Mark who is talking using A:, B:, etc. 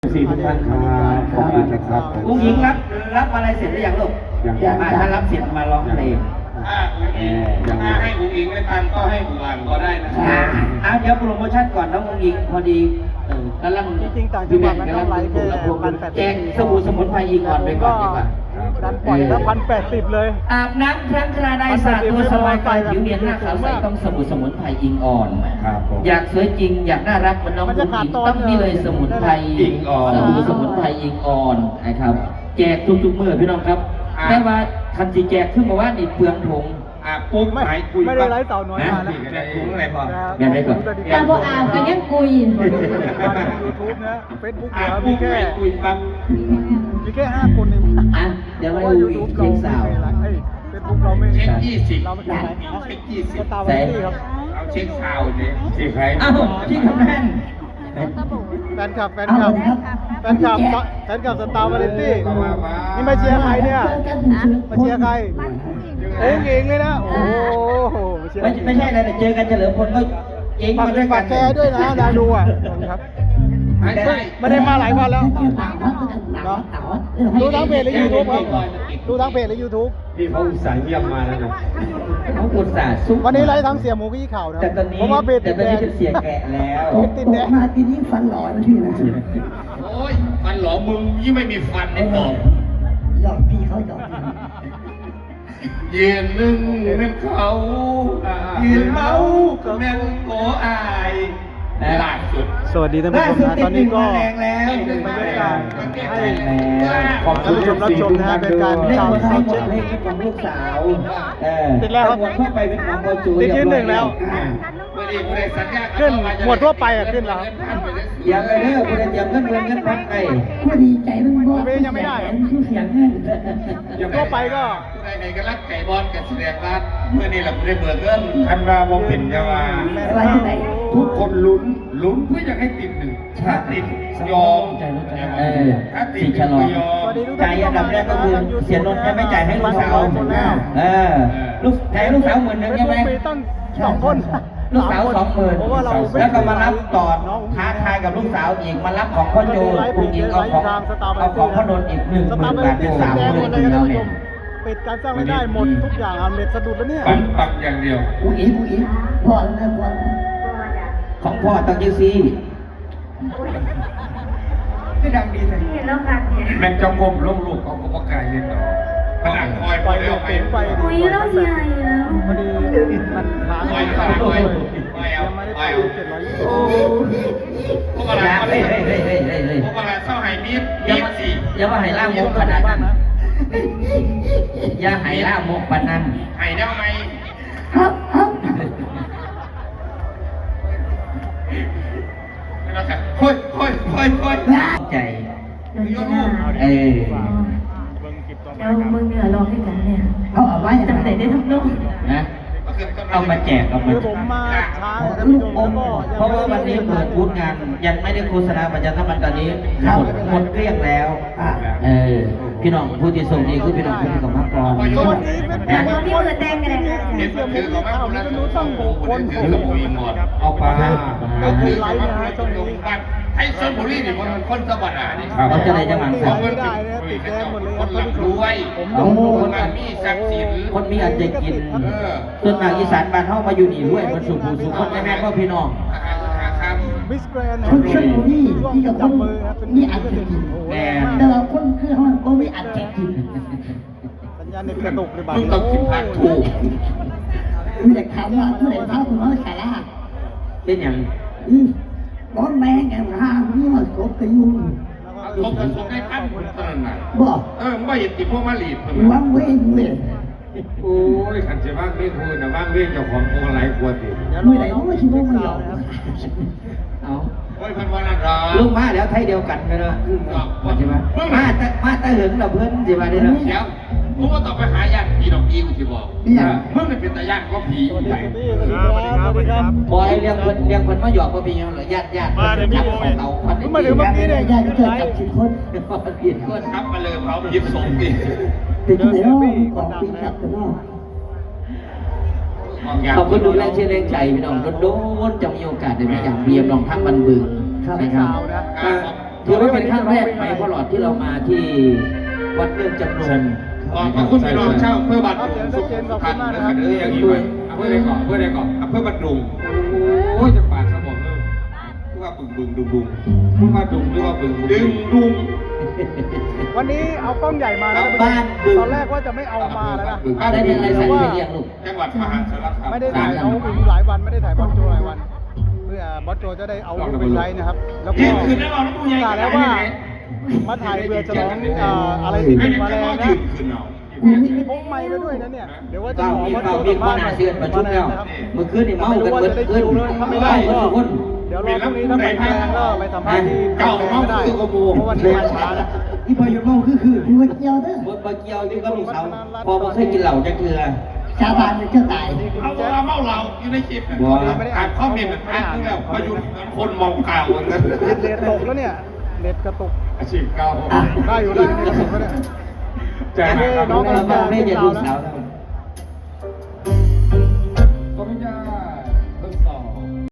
A: สี่ทุกท่านครับขอบคุณนะครับ
B: อุ้งหญิงรับอะไรเสร็จหรือยังลูกถ้ารับเสร็จมาร้องเพลง
C: ถ้าให้อุ้งอิงไม่ทันก็ให้อุบันก็ได้นะครับ
B: เดี๋ยวโปรโมชั่นก่อนน้องอุ้งอิงพอดีกำลัง
D: จริงๆต่างจังหวัดมันต้องไลฟ์แค่1,080
B: แจกสบู่สมุนไพรอิงก่อนไปก่อนดีกว่า
D: ดันปล่อยแล้ว1,080เลย
B: อาบน้ำครั้งคราใดสระตัวสบายกายผิวเนียนหน้าขาวใสต้องสบู่สมุนไพรอิงอ่อนอยากสวยจริงอยากน่ารักเหมือนน้องอุ้งอิงต้องนี่เลยสมุนไพรอิงอ่อนสบู่สมุนไพรอิงอ่อนนะครับแจกทุกๆมื้อพี่น้องครับแต่ว่าคันจีแจกขึ้นมาว่านี่เปลืองถุง
C: ปุ๊บไม่
D: ได้ไลฟ์เต่าน้อยมาแล้ว
C: ถุงอะไรพอ
B: อย่าได้ก่อน
E: ตาบออาบกันยังกุย
D: YouTube นะ Facebook เหรอมีแค่
C: คุยปั๊บ
D: มีแค่5 คนเอง
B: เดี๋ยวมาดูอีกเช็คสาว
D: เฟซบุ๊กเราไม่
C: เช็ค20
D: เราไม่ใช่ไหม
C: เช็ค20
D: สตาร์วาไรตี้ครับ
C: เอาเช็คข่าวเนี่ยสิใคร
B: ที่คำแน่น
D: แฟนคลับสตาร์วาไรตี้นี่มาเชียร์ใครเนี่ยมาเชียร์ใครโอ้เก่งเลยนะโอ้โห
B: ไม่ใช่อะไรแต่เจอกันเฉลิมพลก็เองมาด้วยกัน
D: แชร์ด้วยนะดาดูอ่ะครับไม่ได้มาหลายวันแล้วดูทั้งเพจและยูทูบครับดูทั้งเพจและยูทูบ
A: ที่เขาอุตส่าห์เยี่ยมมาแล้วนะ
B: เขาอุตส่าห์สู้
D: วันนี้ไลฟ์ทั้งเสียหมูกี้ข่าวนะเพราะว่าเพจติดแดง
B: เสียแกะแล้ว
D: ติดแดง
E: มาทีนี้ฟันหล่อนะพี่นะ
C: โอ้ยฟันหลอมึงยิ่งไม่มีฟันในตอก
E: หยอกพี่เขาหยอก
C: ยืนหนึ่งเป็นเขายืนเมาก็แม่งโกอายล่าสุด
D: สวัสดีท่านผู้ชมนะตอนนี้ก็
B: แรงแล้ว
D: บรรยากาศให้
A: ขอบคุณ
D: ท่านผู้ชมรับชมนะฮะเป็นการข่าวสดเช็ค
B: เพลงของลูกสาว
D: ติดแล้วครับ
B: เข้าไปเป็นของโมจู
D: ติดยืน1แล้วขึ้นหมวดทั่วไปขึ้นแล้ว
B: อย่าไปเลิกคุณอย่าเงินพักไป
E: ก็ดีใจมันบอก
D: ยังไม่ได้
E: คือเสียงแห้ง
D: ทั่วไปก็
C: ในกันรักไก่บอลกับแสดงรัฐเมื่อนี้เราได้เบิกเงิน
A: คันว่าโมเป็นจะว่าทุกคนลุ้นเพื่อจะให้ติดหนึ่งถ้าติดยอมถ้าติด
B: ฉลองใจอันดับแรกก็คือเสียนนท์ยังไม่จ่ายให้ลูกสาวลูกจ่ายลูกสาว10,000ใช่ไหม
D: ตั้ง2 คน
B: ลูกสาว20,000แล้วก็มารับต่อท้าทายกับลูกสาวอีกมารับของพ่อโจคุณอีกเอาของพ่อนนท์อีก10,000 บาทเป็น30,000แล้วเนี่ย
D: ปิดการสร้างรายได้หมดทุกอย่างเน็ตสะดุดแล้วเนี่ย
C: ปักอย่างเดียว
E: ผู้หญิงพ่อแล้วพ่อ
B: ของพ่อตั้งยี่ซี่
E: ไม่ดังดีเลย
C: แม่เจ้ากรมลูกเขาก็ประกาศเรียนต่อผนังคอย
D: ไปเร็วไป
E: อุ้ยแล้วใหญ่แล้ว
D: พอดีมันค้างยังไม่ได้ไป720
C: พวกอะไรพวกอะไรเศร้าหายมีด
B: อย่ามาให้ล่ามกขนาดนั้นอย่าให้ล่ามกปนัน
C: หายได้ไหม
E: ครับ
C: ค่อย
B: ใจ
E: แล้วมึงเหนือร้องให้กันเนี่ยเอาไว้จังไหนได้ทุกลูก
B: นะเอามาแจกเอามา
D: ผมมาช้า
B: เพราะว่าวันนี้เปิดบูธงานยังไม่ได้โฆษณาประชาสัมพันธ์ตอนนี้หมดเกลี้ยงแล้วพี่น้องผู้ที่ส่งดีคือพี่น้องผู้ที่ของมังกร
E: ที่เปิดแดงกันเลย
C: เห็นถือของแม่คนนั้นต้องคนถือกับผู้หญิงหมด
A: เอาปลา
C: ถือไลน์นะช่วงนี้ให้ชลบุรีนี่คนสวัสดิ์นี่
B: เขาจะได้จังหวัด
D: ของคนติดแดงหมดเลย
C: คนหลักรวยคนมีทรัพย์สิน
B: คนมีอันจะกินส่วนมากอีสานบ้านเขามาอยู่นี่ด้วยมันสุขสุขคนแม่ก็พี่น้อง
D: มิสแกรนด์
E: ชลบุรีที่กับคนมีอันจะกินแต่เราคนคือเขาก็มีอันจะกิน
D: สัญญาณเน็ตกระตุกเลยบ้าง
C: ต้องกินผักถูก
E: คุณจะถามว่าผู้ใดเท้าคุณน้อยสาระ
B: เป็นอย่าง
E: ร้อนแรงแกห่างนี่มันกบกระยุง
C: กบได้ขั้นคนนั้นน่ะ
E: บอก
C: ไม่เห็นติพวกมาลีด
E: ว่างเว้งเว้ย
A: โอ้ยขันจะว่างเว้งคุณนะว่างเว้งเจ้าของตัวไหลกลัวติ
E: เมื่อไหร่เขาไม่คิดว่าไม่ยอม
B: เอา
C: โอ้ยพันวันละ
B: ลูกมาแล้วไทยเดียวกันไปเลยใช่ไหมมาตะหึงเราเพื่อนใช่ไหมเนี่ย
C: เดี๋ยวมึงว่าต่อไปหาญาติผีดอกอีกูที่บอกมึงเป็นตาญาติก็ผี
D: ไป
B: บอยเลี้ยงคนมาหยอกก็มีอย่างไรญาติ
D: มาเดี๋ยวพี่โมยมาถึงเมื่อกี้เนี่ย
E: ญาติก็เกิดกับชินคน
B: ผิดคน
C: ครับมาเลยเขายิบสมดิ
E: ติดไหนเนาะของปีกับเนาะ
B: ขอบคุณดูแลเชื่อแรงใจพี่น้องโดนจะมีโอกาสได้มาอย่างเบียมลองทั้งบันบึง
D: นะครับ
B: ถือว่าเป็นครั้งแรกไหมพ่อหลอดที่เรามาที่วัดเรื่องจำนวน
C: ขอบคุณพี่น้องชาวอำเภอบัตรสุพรรณนะครับเรื่องนี้ด้วยอำเภอใดก่อนอำเภอใดก่อนอำเภอบัตรดุงโอ้ยจะปาดสมองเลยพูดว่าบึงดุงพูดว่าดุงหรือว่าบึงดุง
D: วันนี้เอากล้องใหญ่มานะ
B: บ้านบึง
D: ตอนแรกว่าจะไม่เอามาแล้วนะ
B: ได้เป็นอะไรใส่ไปเรียงลูก
C: จังหวัดมหาสารคาม
D: ไม่ได้ถ่ายน้องอิงหลายวันไม่ได้ถ่ายบอสโจหลายวัน เพื่อบอสโจจะได้เอาไปใช้นะครับ แล้วก็
C: ยืนคืนได้เราน้ำมูใหญ่
D: กล่าวแล้วว่ามาถ่ายเพื่อฉลองอะไรที่เป็นมาแรงนะ
C: ยืนคืนเรา
D: พกไม้มาด้วยนะเนี่ยเดี๋ยวว่าจะ
B: เฝ้า
D: ขอ
B: มี
D: บอสโจ
B: เฝ้ามีคนหาเชือนประชุมแล้วเมื่อคืนนี่เมากันเบิดขึ้นเมากันทุกคน
D: เดี๋ยวรอพรุ่งนี้ถ้าไปแรงก็ไปสัมภาษณ์ที่เก่าไม่ได้เพราะวันนี้มาช้านะ
E: ที่พออยู่เมาคือว่าเกี่ยวเด้อ
B: บนเกียวนี่ก็ลูกสาวพอมาเคยกินเหล้าจักเทือ
E: ชาวบ้านเจ้าตาย
C: เอาเมาเราอยู่ในคลิปนะอ่านข้อมีมันอ่านที่แบบพยุนคนมองเก่าเลย
D: เน็ตตกแล้วเนี่ยเน็ตกระตุก
C: อาชีพเก่า
D: ได้อยู่ได้เน็ตกระตุกแล้วเนี่ย
C: ใจหายครับ
D: น้องกำลังจะ
B: ไม่
D: ขึ้น
B: จะ
D: ดา
B: ลู
D: ว
B: ก
D: แล้ว
B: สาว